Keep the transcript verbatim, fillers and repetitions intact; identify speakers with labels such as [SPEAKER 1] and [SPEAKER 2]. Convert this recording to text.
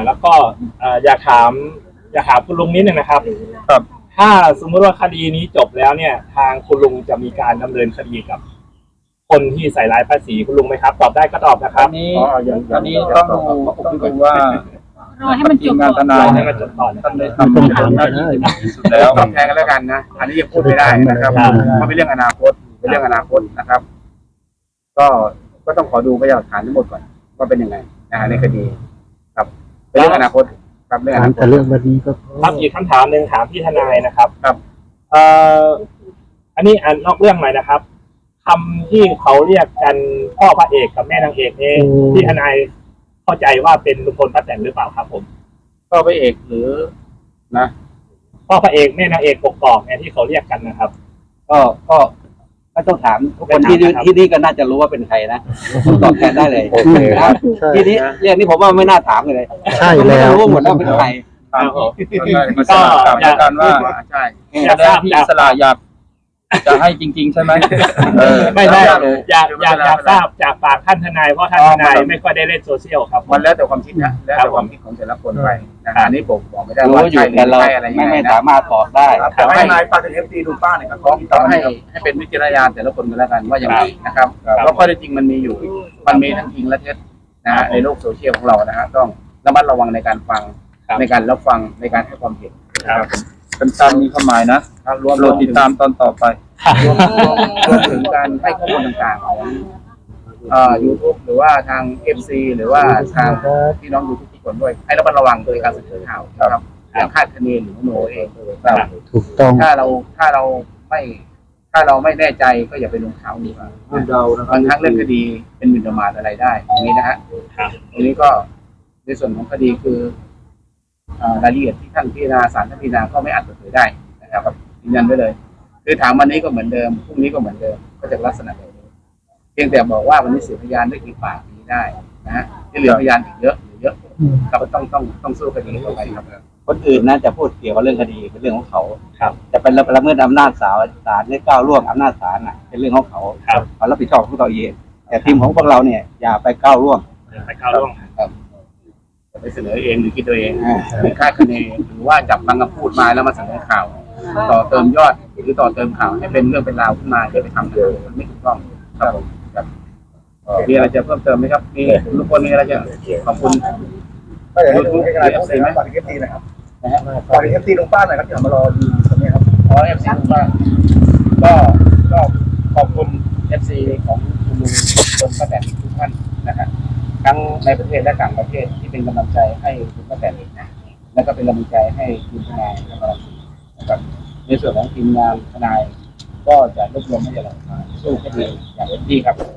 [SPEAKER 1] แล้วก็อยากถามอยากถามคุณลุงนิดนึงนะครับ
[SPEAKER 2] ครับ
[SPEAKER 1] ถ้าสมมติว่าคดีนี้จบแล้วเนี่ย ทางคุณลุงจะมีการดำเนินคดีกับคนที่ใส่ร้ายป้าศรีคุณลุงไหมครับตอบได้ก็ตอบนะครับ
[SPEAKER 2] อันนี้อันนี้ต้องดูต้องดูว่าร
[SPEAKER 3] อให้มันจบ
[SPEAKER 2] งานทนาย
[SPEAKER 1] ให้
[SPEAKER 2] เนี่ย
[SPEAKER 1] มันจบก่อน
[SPEAKER 2] ท่านได้ทำหน้าที่ที่สุดแล้ว
[SPEAKER 4] ตอบแทนกันแล้วกันนะอันนี้ยังพูดไม่ได้นะครับเพราะเป็นเรื่องอนาคตเป็นเรื่องอนาคตนะครับ ก็ก็ต้องขอดูพยานหลักฐานทั้งหมดก่อนว่าเป็นยังไงนะฮะในคดีครับเป็นเรื่องอนาคตครับเรื่องอนาคต
[SPEAKER 5] แต่เรื่องวันนี้ก็
[SPEAKER 1] ครับอีกคำถามหนึ่งถามพี่ทนายนะครับ
[SPEAKER 4] ครับ
[SPEAKER 1] เอ่ออันนี้อันนอกเรื่องหน่อยนะครับคำที่เขาเรียกกันพ่อพระเอกกับแม่นางเอกนี่พี่ทนายเข้าใจว่าเป็นลุงพลป้าแตนหรือเปล่าครับผม
[SPEAKER 4] ก็พระเอกหรือนะ
[SPEAKER 1] พ่อพระเอกแม่นางเอกกกอกเนี่ยที่เขาเรียกกันนะครับ
[SPEAKER 6] ก็ก็ก็ต้องถามทุกคนที่นี่ที่นี่ก็น่าจะรู้ว่าเป็นใครนะตอบแทนได้เลย
[SPEAKER 5] โอเคครับ
[SPEAKER 6] ทีนี้เรื่องนี้ผมว่าไม่น่าถามเลย
[SPEAKER 5] ใช่แล้ว
[SPEAKER 6] รู้หมดแล้วเป็นใคร
[SPEAKER 2] ตามมาสลับกับกันว่า
[SPEAKER 4] ใช่
[SPEAKER 1] อยาก
[SPEAKER 2] แล้
[SPEAKER 1] ทราว บ
[SPEAKER 2] พี่
[SPEAKER 1] อยาก
[SPEAKER 2] สลาอยากจะให้จริง ๆ ใช่ไหมเออ
[SPEAKER 1] ไม่ได้
[SPEAKER 2] อยาก
[SPEAKER 1] อยากอยากอยากทราบจากปากท่านทนายเพราะท่านทนายไม่ค่อยได้เล่นโซเชียลครับ
[SPEAKER 4] มันแล้วแต่ความคิดนะแล้วแต่ความคิดของแต่ละคนไปนะฮะอันนี้ผมบอกไม่ได้
[SPEAKER 6] รู้
[SPEAKER 4] ว่า
[SPEAKER 6] อยู่
[SPEAKER 4] ใช่หรือ
[SPEAKER 6] แต่เรา
[SPEAKER 4] ไม่ใช่อะไรยัง
[SPEAKER 6] ไม่
[SPEAKER 4] ไง
[SPEAKER 6] ไม่
[SPEAKER 4] นะ
[SPEAKER 6] สามารถตอบได้
[SPEAKER 4] แต่ให้นายฝากถึงเอฟซีดูป้าหน่อยครับต้องให้ให้เป็นวิจารณญาณแต่ละคนกันแล้วกันว่าอย่างไรนะครับเพราะข้อเท็จจริงมันมีอยู่ มันมีทั้งจริงและเท็จนะฮะในโลกโซเชียลของเรานะฮะต้องระมัดระวังในการฟังในการรับฟังในการให้ความเห็นนะครับ
[SPEAKER 2] เป็นตามมีความหมายนะ
[SPEAKER 4] รวม
[SPEAKER 2] โปรดติดตามตอนต่อไป
[SPEAKER 4] รวมรวมรวมถึงการให้ข้อมูลต่างๆของเอ่อ YouTube หรือว่าทาง เอฟ ซี หรือว่าทางพี่น้อง YouTube ทุกคนด้วยให้ระมัดระวังโดยการเสนอข่าวนะครับอย่างคาดคะเนหรือโนเองครับ
[SPEAKER 5] ถูกต้อง
[SPEAKER 4] ถ้าเราถ้าเราไม่ถ้าเราไม่แน่ใจก็อย่าไปลงข่าวดีกว่าบางครั้งเรื่องคดีเป็นหมิ่นประมาทอะไรได้อย่างนี้นะฮะตรงนี้ก็ในส่วนของคดีคือเอ่อรายละเอียดที่ท่านพิจารณาศาลท่านพิจารณาก็ไม่อาจเปิดเผยได้นะครับยืนยันไว้เลยคือถามวันนี้ก็เหมือนเดิมพรุ่งนี้ก็เหมือนเดิมก็จะลักษณะแบบนี้เพียงแต่บอกว่าวันนี้เสียพยานได้กี่ปากนี้ได้นะฮะที่เหลือพยานอีกเยอะเหลือเยอะครับต้องต้องต้องสู้คดีต่อไปครับ
[SPEAKER 6] คนอื่นน่าจะพูดเกี่ยวกับเรื่องคดีเป็นเรื่องของเขา
[SPEAKER 1] ครับ
[SPEAKER 6] จะเป็นละเมิดอำนาจศาลศาลให้ก้าวล่วงอำนาจศาลน่ะเป็นเรื่องของเขา
[SPEAKER 1] ครับ
[SPEAKER 6] เขารับผิดชอบของตัวเองแต่ทีมของพวกเราเนี่ยอย่าไปก้าวล่วง
[SPEAKER 1] ไปก้าวล่วง
[SPEAKER 4] จะไปเสนอเองหรือคิดตัวเองหรือคาดคะเนหรือว่าจับบางคำพูดมาแล้วมาเสนอข่าว ต่อเติมยอดหรือต่อเติมข่าวให้เป็นเรื่องเป็นราวขึ้นมาจะไปทำเลยมันไม่ถูกต้องครับผมครับมีอะไรจะเพิ่มเติมไหมครับมีทุกคนมีอะไรจะขอบคุณ
[SPEAKER 7] ก็อยากให้ดูให้กำลังใจฝากเอฟซีนะครับ
[SPEAKER 4] นะฮะ
[SPEAKER 7] ฝากเอฟซีลุงป้าหน่อยครับที่มารอดูตรงนี้ครับ
[SPEAKER 4] ขอเอฟซีทุกท่านก็ก็ขอบคุณเอฟซีของคุณลุงคนป้าแตนทุกท่านนะฮะทั้งในประเทศและต่างประเทศที่เป็นกำลังใจให้คุณป้าแตนนะแล้วก็เป็นกำลังใจให้ทีมทนายนะครับนะครับในส่วนของทีมงานทนายก็จะรวบรวมพยานหลักฐานสู้คดีอย่างเต็มที่ครับ